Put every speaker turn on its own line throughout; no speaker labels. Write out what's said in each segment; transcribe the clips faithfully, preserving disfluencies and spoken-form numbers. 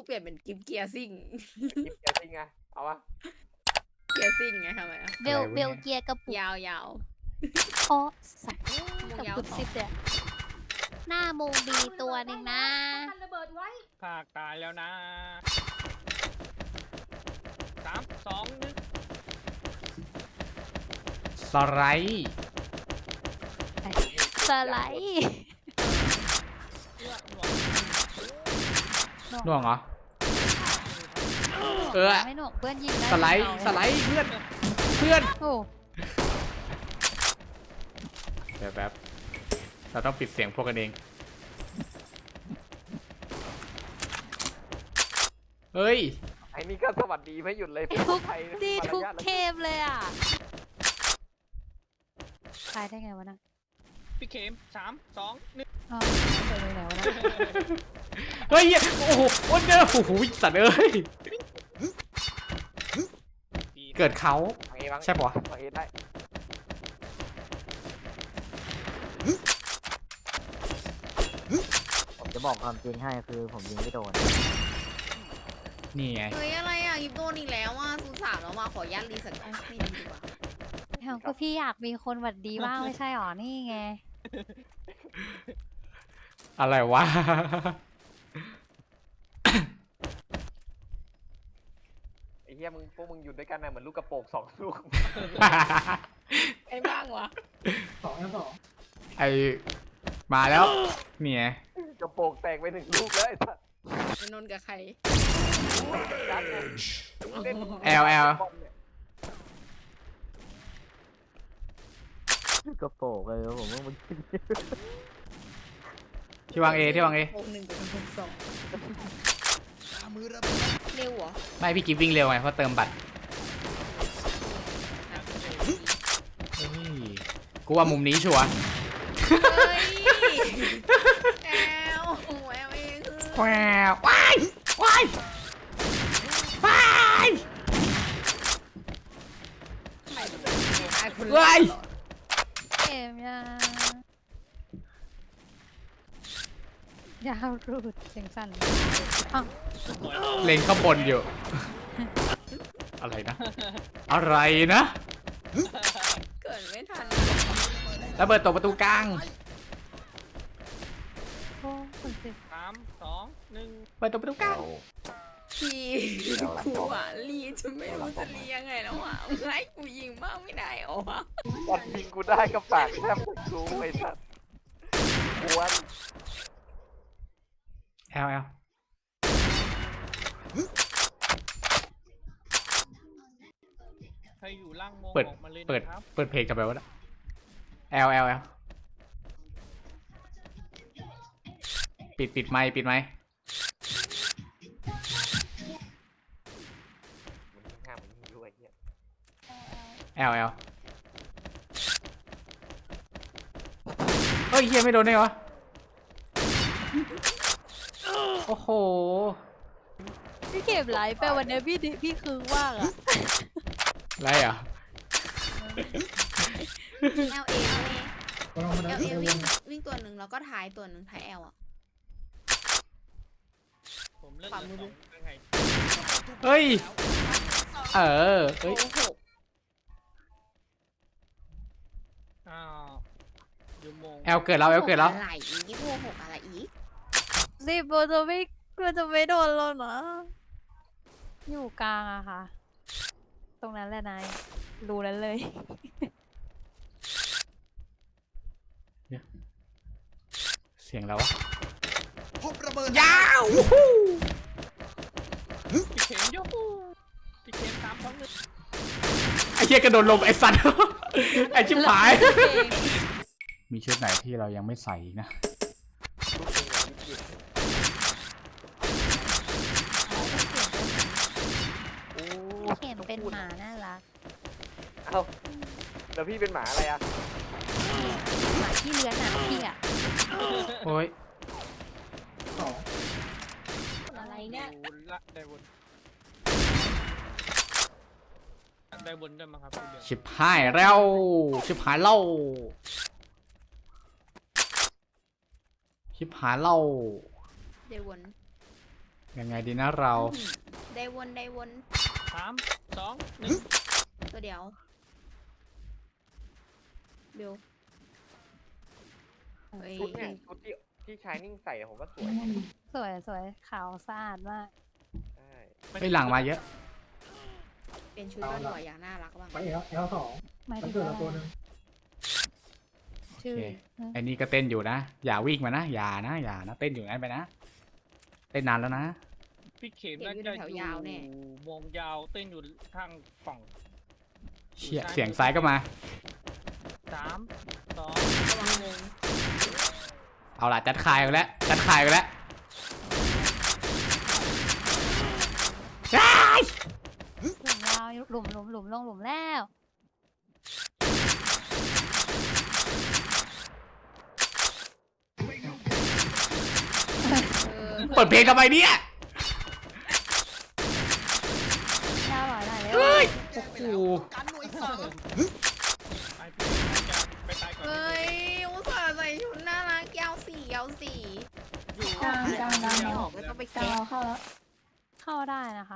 ปลี่ยนเป็นกิฟเกียร์ซิ่ง
กิฟเกียร์ซิงไงเอาวะ
เกียร์ซิ่งไงทำไมอ่ะ
เบลเบลเกียร์กระปุก
ยาวยาว
โอ้สัตว์
มุง
กับ
ยาว
กุด
สอ
ซิ
ง
บเนี่ยหน้ามุงดีตัวหนึ่งนะ
ภาคตายแล้วนะสามสองหนึ่ง
สไลด์
สไลด์
เลือกหน่วง
น่วงเหรอเออ
ไม่หนวกเพื่อนยิงได้
สไลด์สไลด์เพื่อนเพื่อน
โอ้
เดี๋ยวแป๊บเราต้องปิดเสียงพวกกันเองเฮ้ย
ไอ้นี่ก็สวัสดีไม่หยุดเลย
ทุก
ไทย
ดีทุก
มารยาท
เกมเลยอ่ะตายได้ไงวะนะ
พี่เข็มสามสองหนึ่ง
อ๋อเจอเลยไหนวะนะ
เฮ้ยโอ้โหโอ้โหโอ้โหสัตว์เอ้ยเกิดเขา
วางเอวาง
ใช่ปะวะ
วางเอได้
ผมจะบอกความจริงให้คือผมยิงไม่โดน
นี่ไง
เฮ้ยอะไรอ่ะยิบโดนอีกแล้วอ่ะศูนย์สามแล้วมาขอยัดรีสักไม่ดีดีกว่า
เอ้าก็พี่อยากมีคนหวัดดีบ้างไม่ใช่หรอนี่ไง
อะไรวะ
ไอ้เหี้ยมึงพวกมึงอยู่ด้วยกันนะเหมือนลูกกระโปรงสองลูก
ไอ้บ้างวะ
ไอมาแล้วนี่ไง
กระโปรงแตกไปหนึ่งลูกแล้วไอ้สัส
ไอ้นนท์กับใคร
ยัดไงเล่น
แอลแอล
บอลเนี่ย
ก็โปกเลยผมว่ามัน
ที่วางเอที่วางเอ
โปงหนึ่งกับโปงสองเร็วเหรอ
ไม่พี่กิฟวิ่งเร็วไงเพราะเติมบัตรเฮ้ยกูว่ามุมนี้ชัวร์
เฮ้ยแอลแอลเองคือ
ว้าวว้ายว้ายว้าย
ใครเป็นไอ้คนแร
เฮ้ย
กเหรอ
เกมยายาวรูดเสียงสั่นอ้าว
เล็งข้างบนอยู่ อะไรนะ อะไรนะ
เกิดไม่ทัน
ระเบิดตกประตูกลาง
โอ้คนสิ
สามสองหนึ่ง
เปิดตกประตูกลาง
พี่กูอ่ะรีจะไม่รู้จะรียังไงแล้วอ่ะมึงให้กูยิงบ้างไม่ได้เหรอวะ
บอลยิงกูได้ก็ปากแทบรู้ไอ้สัสกวน
แอลแอล
ใครอยู่ล่างโมง
เปิด
ออกมาเลย
เปิด
นะครับ
เปิดเพลงกันไปวะนะแอลแอลแอลปิดปิดไมค์ปิดไมค์
มึงยิงห้ามมึงยิงด้วยไอ้เหี้ย
แอลแอลเฮ้ยเฮียไม่โดนได้เหรอโอ้โห
พี่เก็บไลฟ์ไปวันนี้พี่ดิพี่คือว่างอ่ะ
อะไรอ่ะ
เอลเอเอลเอวิ่งวิ่งตัวหนึ่งแล้วก็ท้ายตัวหนึ่งท้ายแอลอ่ะ
ผมเลือก
ขวามื
เลื
อ
อกสองยังไง
เฮ้ย เออเฮ้ย
โอ้โห
อ้าวอยู่โมง
แอลเกิดแล้วแอลเกิดแล้ว
อะไรอีกยี่สิบหกอะไรอีก
สิบมันจะไม่มันจะไม่โดนแล้วนะอยู่กลางอะค่ะ ตรงนั้นแหละนายรู้นั้นเลย
เสียงแล้ววะ
พบระเบิด
ยาว
พี่เข็มยกพี่เข็มสามสองหนึ่ง
ไอ้เหี้ยกระโดดลมไอ้สัตว์ ไอ้ชิบหาย มีชุดไหนที่เรายังไม่ใส่อีกนะ
ลูกยิงอ่ะยิงยิงโอ้
เห็นเป็นหมาน่ารัก
เอ้าแล้วพี่เป็นหมาอะไรอ่ะ
หมาที่เลื้อนหนังพี่อะ
โอ้ย
อะไรเนี่ย
ดูละได้บนได้บนด้วยมั้งครับพี่เบล
ชิบหายแล้ว ชิบหายเล่า ชิบหายเล่า
เดวอน
ยังไงดีนะเรา
ได้วนได้วน
สามสองหนึ่ง
ตัวเดียวเบลเฮ้ย
ชุดเนี่ยชุดที่ที่ชายนิ่งใส่ผมว่าสวย
สวยสวยขาวสะอาดมาก
ใช่
ไปหลังมาเยอะ
เป็นชุดก็หน่วยอย่างน่ารักบ้าง
ไปเอลเอลสอง
หมาย
มั
ถึ
น
ง
เกิด
ว่า
ละตัวหนึ่ง
ชื่อ
โอเค ไอ้นี่ก็เต้นอยู่นะ อย่าวิ่งมานะ อย่านะ อย่านะ เต้นอยู่งั้นไปนะ เต้นนานแล้วนะ
พี่เข็มน่าจะอยู่วงยาวเต้นอยู่ข้างกล่อง
เชี่ยเสียงซ้ายก็มา
สามสอง
ระวังงง
เอาล่ะจัดคายกันแล้ว จัดคายกันแล้วใช่
หลุมยาวหลุมหลุมหลุมลงหลุมแล้ว
เออ
เปิดเพลงทำไมเนี่ย
ยาวหน่อยหน่อยเร็ว
เฮ้ย
แจ้งไป
โอ้
แล้ว
โห
กันหน่วยสาม
ไอพี่จะไปตายก่อน
เฮ้ยอุตส่าห์ใส่ชุดน่ารักยาวสี่ยาวสี่
อยู่
ออกไม่ออกก็ต้องไปแก้
เข้าได้นะคะ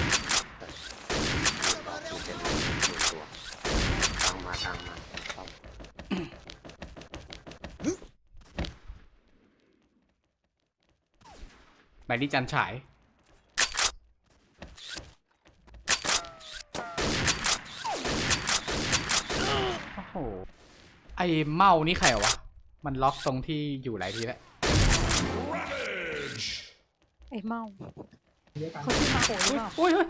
ใบนี้จันฉาย โอ้โห ไอ้เมานี่ใครวะ มันล็อกตรงที่อยู่หลายทีแล้ว
ไอ้เมา
เยอะกัน
เขาชื่อมาโหหรือเปล่า
อุ้ย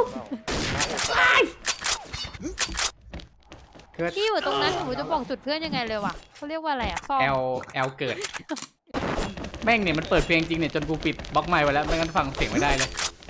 เกิด
พี่อยู่ตรงนั้นหนูจะบอกจุดเพื่อนยังไงเลยวะเขาเรียกว่าอะไรอ่ะซ่อม
แอลแอลเกิด แม่งเนี่ยมันเปิดเพลงจริงเนี่ยจนกูปิดบล็อกไมค์ไว้แล้วไม่งั้นฟังเสียงไม่ได้เลย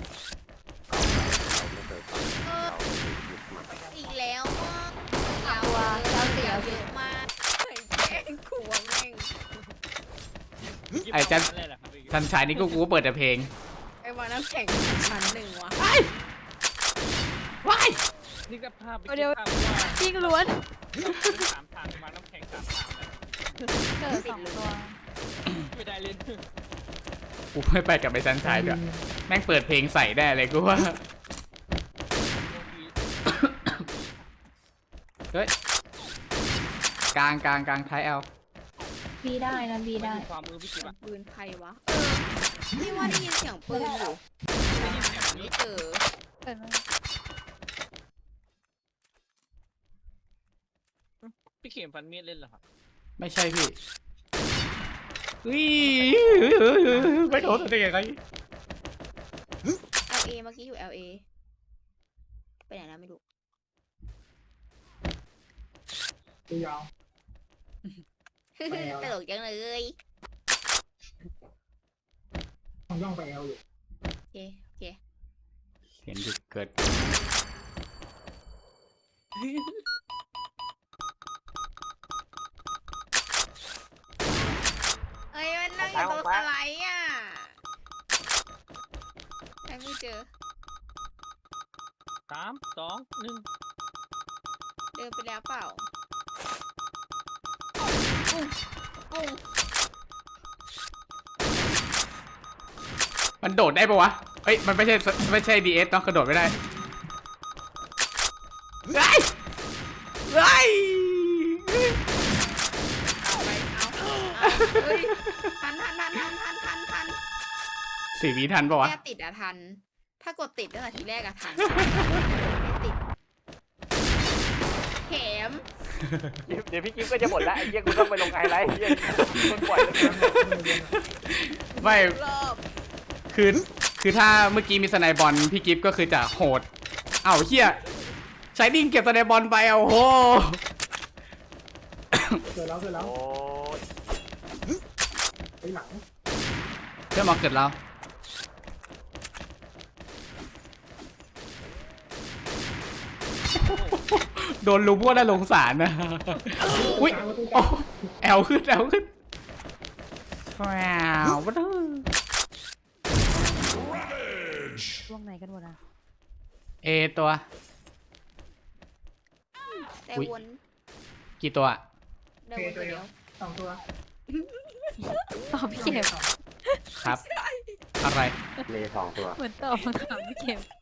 เอออีกแล้วอ่ะยาว
ตัว
เย
ยาว
อะ
เสีย
เยอะมากเฮ้ยแกล้งขวงแม่ง
ไอ้จัน
เลยแหละครับพี่
ทันชายนี่กูกูก็เปิดแต่เพลง
ไอ้วันน้ำแข็งชั้นหนึ่งวะ
ว้าย
นี่ก็ภาพไปคิดภาพว่า
จริงล้วน
สามทางมาน้ำแข็งสามทางเลย
เกิดสองตัว
ไม่ได้เล่น
กูไม่ไปกับไอ้ทันชายด้วยแม่งเปิดเพลงใส่ได้เลยกูว่า เฮ้ย กลางกลางกลางท้ายแอล
บีได้นะบีได้
ความมือพี่กิ๊บอะ
ปืนใครวะ เออนี่ว่าได้ยินเสียงปืนอยู่
ได้ยินเสียงนี้
เออ
เกิดมา
พี่เข็มฟันมีดเล่นเหรอครับ
ไม่ใช่พี่อุ้ยไม่โดนได้ยังไง
แอล เอ เมื่อกี้อยู่ แอล เอ ไปไหนแล้วไม่รู้
ตัวยาว
ตลกจังเลย
ต้องย่องไปเอลอยู่
โอเค โอเค
เห็นจุดเกิด
เอ้ยมันนั่งอยู่ตรงสไลด์อ่ะใครไม่เจอ
สามสองหนึ่ง
เดินไปแล้วเปล่าปุ้งปุ้ง
มันโดดได้ปะวะเอ้ยมันไม่ใช่ไม่ใช่ดีเอสต้องกระโดดไม่ได้ไอ้ไอ้
เอาไปเอาเอาเฮ้ยทันทันทันทันทันทันทัน
สี่วิทันปะวะ
แค่ติดอะทัน ถ้ากดติดตั้งแต่ทีแรกอะทัน ไม่ติด เข็ม
เดี๋ยวพี่กิ๊ฟก็จะหมดแล้วไอ้เหี้ยกูต้องไปลงไฮไลท์ไอ้เหี้ยคนปล่อยแล้วกัน
ไม่
รอบ
คือคือถ้าเมื่อกี้มีสไนบอลพี่กิฟก็คือจะโหดเอ้าเฮียใช้ดิ้งเก็บสไนบอลไปเอาโห
เกิดแล้วเกิดแล้ว
โอ้ย
ไปหลัง
เพื่อนมาเกิดเราโดนลุมว่าน่าสงสารนะอุ้ยโอ้แอลขึ้นแอลขึ้นว้าววัด
ช่วงไหนกันหมดอ่ะ
เอตัว
แต่
อุ๊ย
วน
กี่ตัว
ได้วนตัวเดียว
สองตัว
ตอบพี่เข็ม
ครับอะไร
เลสองตัว
เหมือนตอบคำถามพี่เข็ม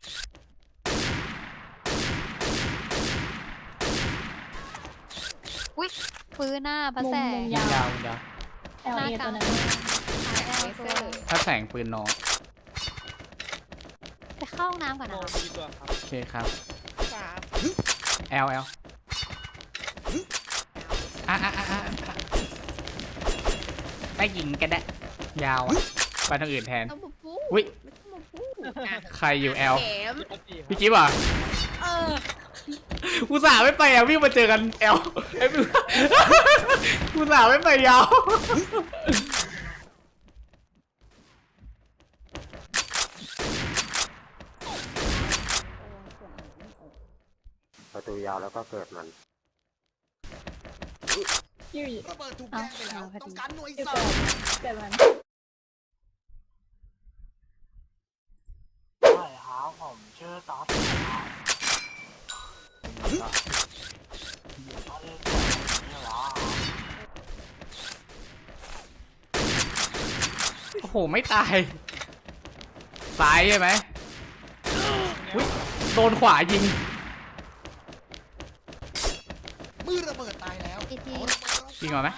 อุ้ยปืนหน้าพระแสง
มุม
ยิง
ยาว
ยาวยิงยาว
แอล
หน้า
เอก
ลา
ตัว
ง
นั้น
หายแอลตัว
ถ้าแสงปืนนอง
ไปเข้าห้องน้ำก่อน
โม
นะคะ
มีตัวครับ
โอเคครับ
สาม
แอลแอลอ่ะอ่ะอ่ะอ่ะได้ยิงกันได้ยาวอะไปทางอื่นแทน
ต้องมาพู
อุ๊ย
ไม่ต้องมาพูดอ่ะ
ใครอยู่แอล
เข็ม
พี่จิ๊บอ่ะ
เออ
กูสาห์ไม่ไปอ่ะวิ่งมาเจอกันแอลไอ้พี่กูสาห์ไม่ไปยาว
ประตูยาวแล้วก็เกิดมัน
อยู่
ระเบิดถูกแย่งไปแล้ว ต้องการหน่วย
อยู่
เสริ
เกิด
ม
เกิดมัน
ใช่ครับผมชื่อต๊อด
โอ้โหไม่ตายซ้ายใช่ไหมอุ๊ยโดนขวายิง
มือระเบิดตายแล้ว
อีกที
เอาระเบิดเรา
ยิงมาไหม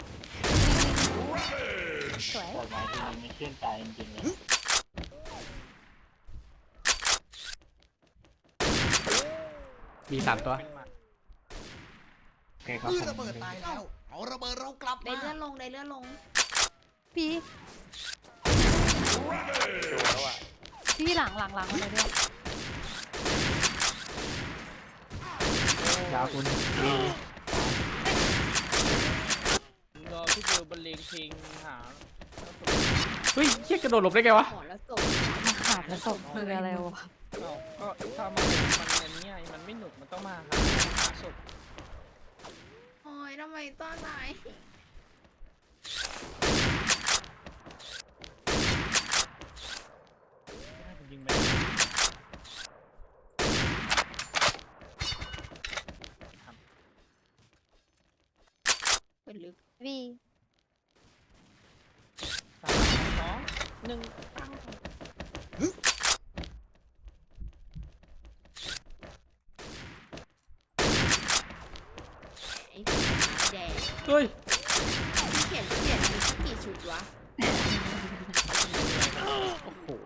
สวย
แต่ไม้ที่มันไม่ขึ้นใจจริงๆเลย
มีสามตัว
เป็นหมัด
โอเคครับ
มือ
ผม
ระเบิดตายแล้ว เอาระเบิดเรากลับ
ได้
มา
เลื่อนลงได้เลื่อนลง
พี่
ดูแล้วอ่ะ
พี่หลังหลังหลังมาเลยด้วย
ยาวคุณ
รอพี่เบลบรรเลงเพลงหา
เฮ้ยเฮียกระโดดหลบได้ไงวะ
หมอแล้วศพ
มาขาดแล้วศพคืออะไรวะ
เอ้าก็ถ้ามามันอันเนี้ยมันไม่หนุกมันต้องมาหาหาศพ
โอ้ยทำไมต้อนไหน
ให้ผมยิงไป
เป็นลึก
พี่
สามสองหนึ่งตั้ง
ไอ้ผีแดง
เฮ้ย
พี่เขียนพี่เขียนมีสักกี่ชุดวะ
โอ้โห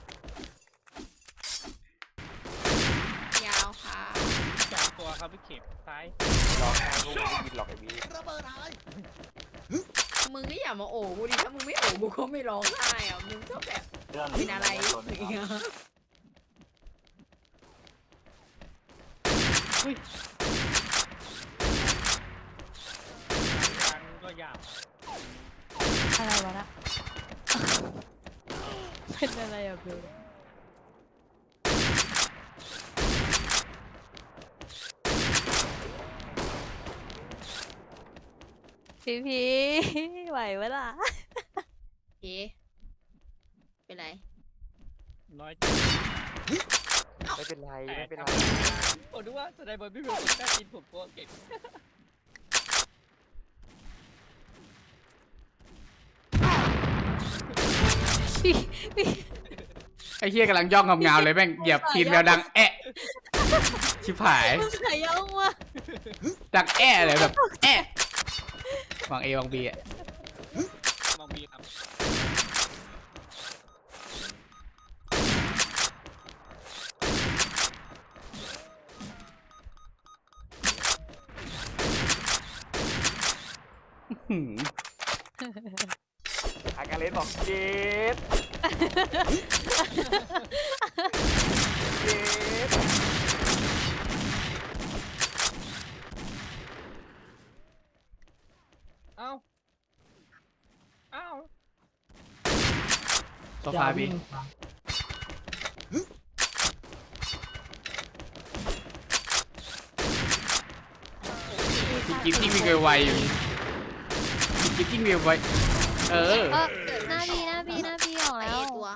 ยาวค่ะ
สองตัวครับพี่เข็มซ้าย
ร้องไห้ลูกไม่ยินหรอกไอ้บี
ระเบิดหาย
มึงก็อย่ามาโอบกูดิถ้ามึงไม่โอบกูก็ไม่ร้องไห้อ่ะมึงชอบแบบ
เรื่อง
เป็นอะไรอย่างเงี้ย
การก็ยาว
อะไรวะนะ เป็นอะไรอ่ะเบลพี่พี่ไหวเวล่ะ
เอ๊ะเป็นไร
น้อย
ไม่เป็นไรไม่เป็นไร
ผมดูว่าแสดงบนพี่เบลผมได้กินผมก็เก่ง
พี่พี่
ไอ้เฮียกำลังย่องงามๆเลยแม่งเหยียบตีนแมวดังแอะชิบหาย
มันขย่องว่ะ
ดังแอะเลยแบบแอะวางเอวางบีอ่ะ
มองบีครับ
หืม
อาการเล่นบอกเจ็ดเจ็ด
เอ้าเอ้า
โซฟาบีพี่กิ๊บยิ่งมีไวๆอยู่พี่กิ๊บยิ่งมีไวเออ
เออหน้าพี่หน้าพี่หน้าพี่ออก
ไอ้
แล้ว
ตัว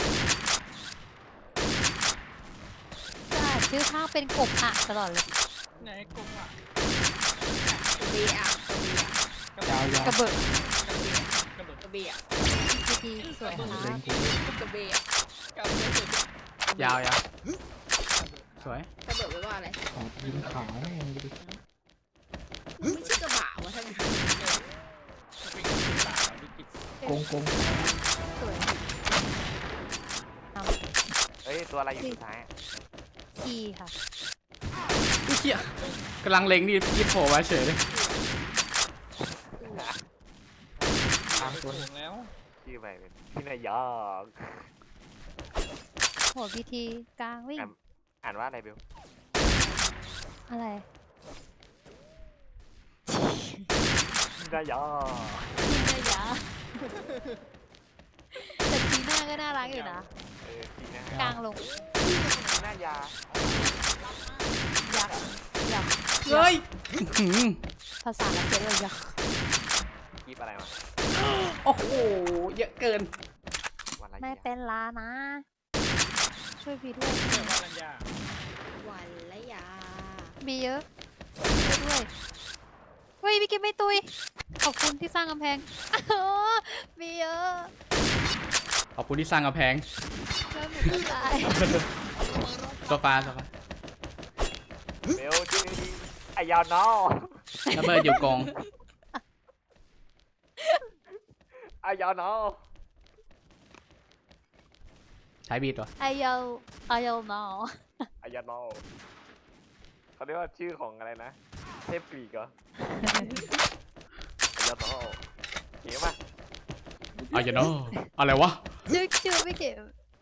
จะอ่านชื่อข้างเป็นกบอะตลอดเลย
ไหนกลมอ่ะ
ตัวเบียร์ตัวเบียร์
ยาวยาว
กระเบิด
กระโดด
ตัวเบียร์
พี่พี่สวยครับ
กระเบย์อะ
กับเบส
ยาวยาวสวย
ระเบิดไว้ว่าอะไร
ขอยิงขาแม่งดิ
มันไม่ใช่กระบะวะทั้งนั้น
เป็นคนต่างวิจิต
โกงโกง
สวย
เฮ้ย ตัวอะไรอยู่สุดท้ายอะ
ทีค่ะ
ไอ้เหี้ยกำลังเล็งนี่ยิบโผล่มาเฉยเลย
ตามตัว
ถูกแล้ว
ชื่อไปเป็นพี่นายยอก
โหพีทีกลางวิ่ง
อ่านว่าอะไรเบล
อะไร
พี่นายยอก
ทีน่ายาแต่ทีหน้าก็น่ารักอยู่นะ
เออพี่นาก
ลางลง
พี่นายา
ยักษ์ยักษ์
เฮ้ยหืม
ภาษาละเอียดเลยยักษ์
กีบอะไรมา
โอ้โหเยอะเกิน
วันอะไร
ไม่
ยา
เป็นลานะ ช่วยพี่ด้วย
เรียกว่ารัญญา
วันละยา
มีเยอะช่วยด้วยเฮ้ยพี่กิ๊ฟไม่ตุยขอบคุณที่สร้างกำแพง อ๋อมีเยอะ
ขอบคุณที่สร้างกำแพง
แล้วหนูก็ตาย
โซฟาโซฟา
เบลชื่อดีไอยาวน้อ
ระเบิดอยู่กอง
ไอยาวน้อ
ใช้บีดวะ
ไอเยลไอเยลนอ
ไอยาวน้อเขาเรียกว่าชื่อของอะไรนะ เทพกรีกเหรอไอยาวน้อเก๋ป่ะ
เอาอย่าเนาะอะไรวะ
ชื่อชื่อไม่เก็บ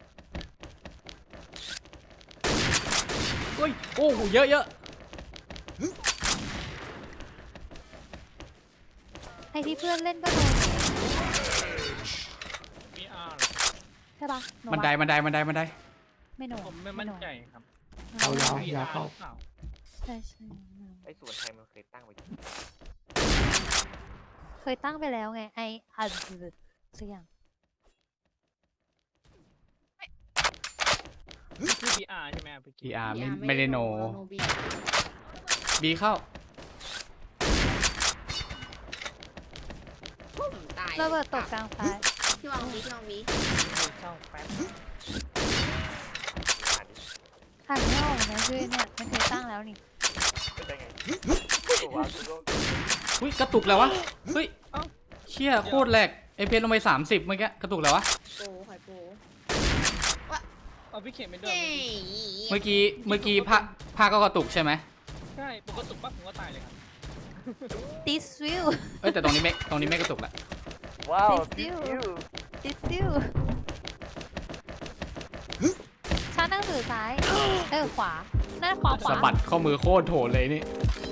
เฮ้ยโอ้โหเยอะเยอะ
ไอที่เพื่อนเล่นก็โดน
พีอาร์
ใช่ปะห
บันได
วะ
บันไดบันไดบันได
ไม่โดน
ผมไม่มั่นใจครับ
เอายาว
พี
ยา
อาว
เข้า
หรือเปล่า
ใช่ใช่
ไอส่วนไทยมันเคยตั้งไว้
เคยตั้งไปแล้วไงไออัดสักอย่าง
คือพีอาร์ใช่ไหมครับพี่
พีอาร์
พี
ไม่
อาร์
ไม่ได้โน
โนบี
บีเข้า
ตาย
ระเบิดตกกลางไฟ
พี่วางบีพี่วางบี
เช่าแป๊บ
อ่านดิ
อ่านไม่ออกนะชื่อเนี่ยมันเคยตั้งแล้วนี่
เป็นได้ไงตัววางตัว
อุ้ยกระตุกแล้ววะ เฮ้ยเชี่ยโคตรแหลกเอพีลงไปสามสิบเมื่อกี้กระตุกแล้ววะ
โปหอยโป
เอาพี่เข็มเป็นเดิม
เย้
เมื่อกี้เมื่อกี้ผ้าผ้าก็กระตุกใช่ไหม
ใช่ปกติปั๊บผมก็ตายเลยครับ
ติสวิว
เอ้ยแต่ตรงนี้ไม่ตรงนี้ไม่กระตุกละ
ว้าว
Thank
ทิ
you
ว
ติสวิวชั้นหนังสือซ้าย เออขวาหน้าขวาขวา
สะบัดข้อมือโคตรโถเลยนี่
ข